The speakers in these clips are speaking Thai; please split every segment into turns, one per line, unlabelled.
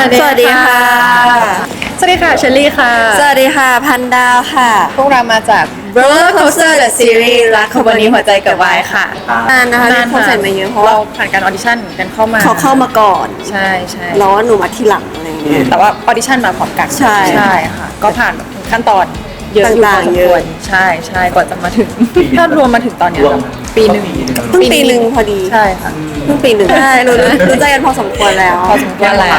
สวัสดีค่ะ
สวัสดีค่ะเชลลี่ค่ะ
สวัสดีค่ะพันดาวค่ะ
พวกเรามาจาก
Roller Coaster The Series รักขบวนนี้หัวใจกับวายค่ะนานนะคะที่เขาใส่มาเยอะเพราะว่า
เราผ่านการออดิชั่นกันเข้ามา
เขาเข้ามาก่อน
ใช่ใช่
แล้วหนูมาทีหลังอะไรอย่างเงี้ย
แต่ว่าออดิชั่นมาพร้อมกัน
ใช่
ค่ะก็ผ่านขั้นตอนเยอะอยู่พอสมควรใช่ใช่กว่าจะมาถึงถ้ารวมมาถึงตอนนี้ปีหนึ่ง
เพิ่งปีหนึ่งพอดี
ใช่ค่ะ
เพิ่งปีหนึ่งใช่รู้ใจกันพอสมควรแล้ว
พอสมควรแล้ว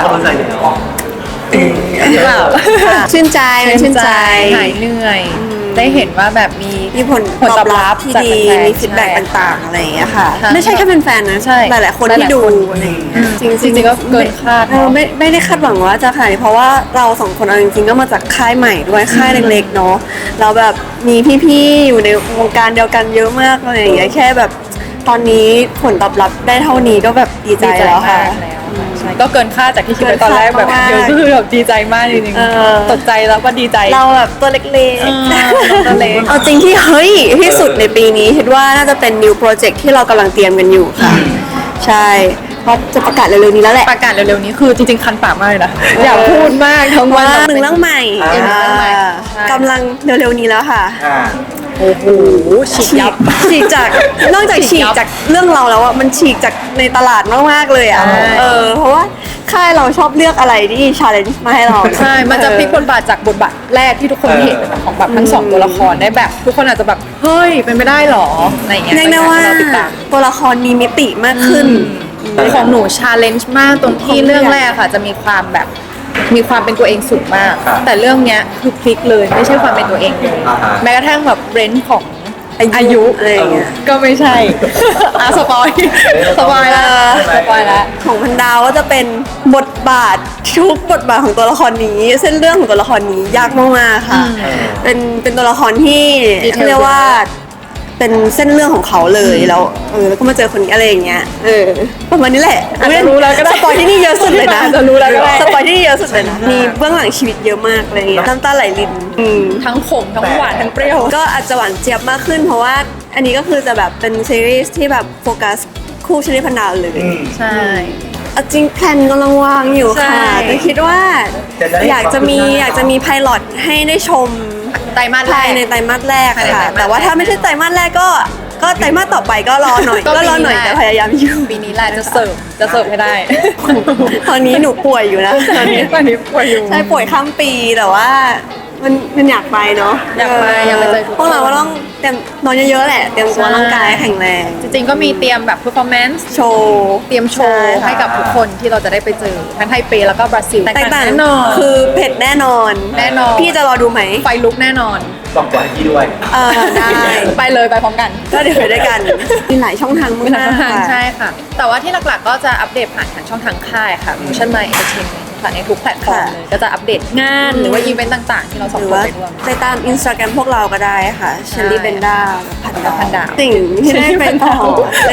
หรือเปล่า
ชื่นใจมันชื่นใจ
หายเหนื่อยได้เห็นว่าแบบมี
ผลตอบรับที่ดีมีฟีดแบ็กต่างๆอะไรอย่างเงี้ยค่ะไม่ใช่แค่เป็นแฟนนะหลายๆคนที่ดูอะไรอย่างเงี้ย
จริงๆก็เกินคาด
ไม่ได้คาดหวังว่าจะขนาดนี้เพราะว่าเราสองคนเอาจริงๆก็มาจากค่ายใหม่ด้วยค่ายเล็กๆเนาะเราแบบมีพี่ๆอยู่ในวงการเดียวกันเยอะมากอะไรอย่างเงี้ยแค่แบบตอนนี้ผลตอบรับได้เท่านี้ก็แบบดีใจแล้วค่ะ
ใช่ก็เกินคาดจากที่คิดไว้ตอนแรกแบบเยอะก็คือแบบดีใจมากจริงๆตกใจแล้วก็ดีใจ
เราแบบตัวเล็ก
ๆตัวเล็ก
เอาจริงที่เฮ้ยที่สุดในปีนี้คิดว่าน่าจะเป็น new project ที่เรากำลังเตรียมกันอยู่ค่ะใช่เพราะจะประกาศเร็วๆนี้แล้วแหละ
ประกาศเร็วๆนี้คือจริงๆคันปากมากเลยนะอยากพูดมากทั้งวัน
หนึ่งเรื่องใหม่กำลังเร็วๆนี้แล้วค่ะ
โอ้โห
ฉีกจากนอกจากฉีกจากเรื่องเราแล้วอ่ะมันฉีกจากในตลาดมากๆเลยอ่ะเพราะว่าค่ายเราชอบเลือกอะไรที่ challenge มาให้เรา
ใช่มันจะพลิกบทบาทจากบทบาทแรกที่ทุกคนเห็นของแบบทั้งสองตัวละครได้แบบทุกคนอาจจะแบบเฮ้ยเป็นไม่ได้หรออะไรเงี้ย
เรียกได้ว่าตัวละครมีมิติมากขึ้น
ของหนู challenge มากตรงที่เรื่องแรกค่ะจะมีความแบบมีความเป็นตัวเองสูงมากแต่เรื่องเนี้ยคือพลิกเลยไม่ใช่ความเป็นตัวเองเลยแม้กระทั่งแบบเรนจ์ของอายุ
อะไรอย่างเงี้ย
ก็ไม่ใช่สปอยแล้ว
ของพันดาวก็จะเป็นบทบาททุกบทบาทของตัวละครนี้เส้นเรื่องของตัวละครนี้ยากมากๆค่ะเป็นตัวละครที่เรียกว่าเป็นเส้นเรื่องของเขาเลยแล้วแล้วก็มาเจอคนนี้อะไรอย่างเงี้ยประมาณนี้แหละ
อาจจะรู้แล้วก็ได้
สปอยที่นี่เยอะสุดเลยนะ
จะรู้แล้วก็ได้
สปอยที่นี่เยอะสุดเลยนะมีเบื้องหลังชีวิตเยอะมากอะไรเงี้ยน้ำตาไหลริน
ทั้งขมทั้งหวานทั้งเปรี้ยว
ก็อาจจะหวานเจี๊ยบมากขึ้นเพราะว่าอันนี้ก็คือจะแบบเป็นซีรีส์ที่แบบโฟกัสคู่ชลิพันดาวเลย
ใช่
จริงแพลนกำลังวางอยู่ค่ะแต่คิดว่าอยากจะมีไพลอตให้ได้ชม
ไตรมาสแรก
ในไตรมาสแรกค่ะแต่ว่าถ้าไม่ใช่ไตรมาสแรกก็ไตรมาสต่อไปก็รอหน่อยแต่พยายามอยู่
ปีนี้แหละจะเสิร์ฟให้ได้
ตอนนี้หนูป่วยอยู่นะ
ตอนนี้ป่วยอยู่
ใช่ป่วยข้ามปีแต่ว่ามันอยากไปเนาะ
อยากไปเจอ
พวกเราก็ต้องเตรียมนอนเยอะๆแหละเตรียมตัวร่างกายแข็งแรง
จริงๆก็มีเตรียมแบบ performance
โชว์
เตรียมโชว์ให้กับทุกคนที่เราจะได้ไปเจอทั้งไทเปแล้วก็บราซิล
แตกต่างแน่นอนคือเผ็ดแน่นอนพี่จะรอดูไหม
ไฟลุกแน่นอน
ต้องปล่อยพี่ด้วย
ได้
ไปเลยไปพร้อมกัน
ก็เดี๋ยวไปด้วยกันมีหลายช่องทางมาก
ใช่ค่ะแต่ว่าที่หลักๆก็จะอัปเดตผ่านทางช่องทางค่ายค่ะ Motion My Entertainment ค่ะในทุกแพลตฟอร์มเลยก็จะอัปเดตงานหรือว่าอีเวนต์ต่างๆที่เราสองคนไปร่วม
ไปตาม Instagram พวกเราก็ได้ค่ะเชลลี่เบนด้าพันดาวสิ่งที่ได้ไปต่อใน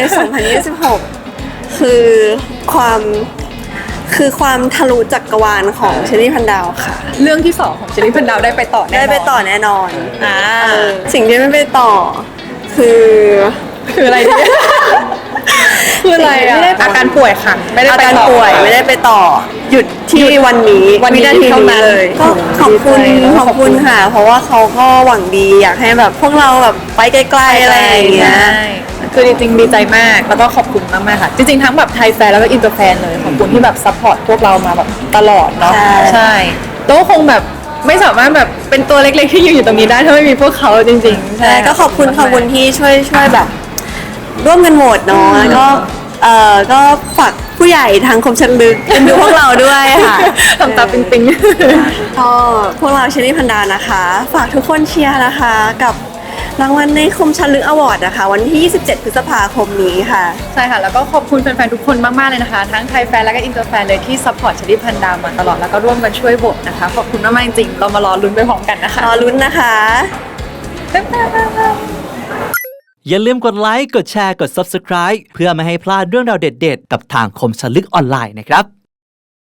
2026 คือความทะลุจักรวาลของเชลลี่พันดาวค่ะ
เรื่องที่2ของเชลลี่พันดาวได้ไปต่อแ
น่นอนสิ่งที่ไม่ไปต่อคือ
อะไรเนี่ยคืออะไรอาการป่วยค่ะไม่ได้
อาการป่วยไม่ได้ไปต่อหยุดที่วันนี้
วินาทีเท่านั้น
เลยก็ขอบคุณค่ะเพราะว่าเขาก็หวังดีอยากให้แบบพวกเราแบบไปไกลๆอะไรอย่างเงี้ย
คือจริงๆดีใจมากแล้วก็ขอบคุณมากๆค่ะจริงๆทั้งแบบไทยแฟนแล้วก็อินเตอร์แฟนเลยขอบคุณที่แบบซัพพอร์ตพวกเรามาแบบตลอดเนาะใช่โต้คงแบบไม่สามารถแบบเป็นตัวเล็กๆที่ยืนอยู่ตรงนี้ได้ถ้าไม่มีพวกเขาจริงๆ
ใช่ก็ขอบคุณที่ช่วยแบบร่วมกันโหวตเนาะแล้วก็ฝากผู้ใหญ่ทางคมชันลึกเป็นดูพวกเราด้วยค่ะ
ทำตาปิ๊ง
ๆก็พวกเราเชลลี่พันดานะคะฝากทุกคนเชียร์นะคะกับรางวัลในคมชันลึกอวอร์ดนะคะวันที่27 พฤษภาคมนี้ค่ะ
ใช่ค่ะแล้วก็ขอบคุณแฟนๆทุกคนมากๆเลยนะคะทั้งไทยแฟนและก็อินเตอร์แฟนเลยที่ซัพพอร์ตเชลลี่พันดามาตลอดแล้วก็ร่วมกันช่วยโหวตนะคะขอบคุณมากๆจริงๆเรามารอลุ้นไปพร้อมกันนะคะ
รอลุ้นนะคะ
อย่าลืมกดไลค์ กดแชร์ กด Subscribe เพื่อไม่ให้พลาดเรื่องราวเด็ดๆกับทางคมชลึกออนไลน์นะครับ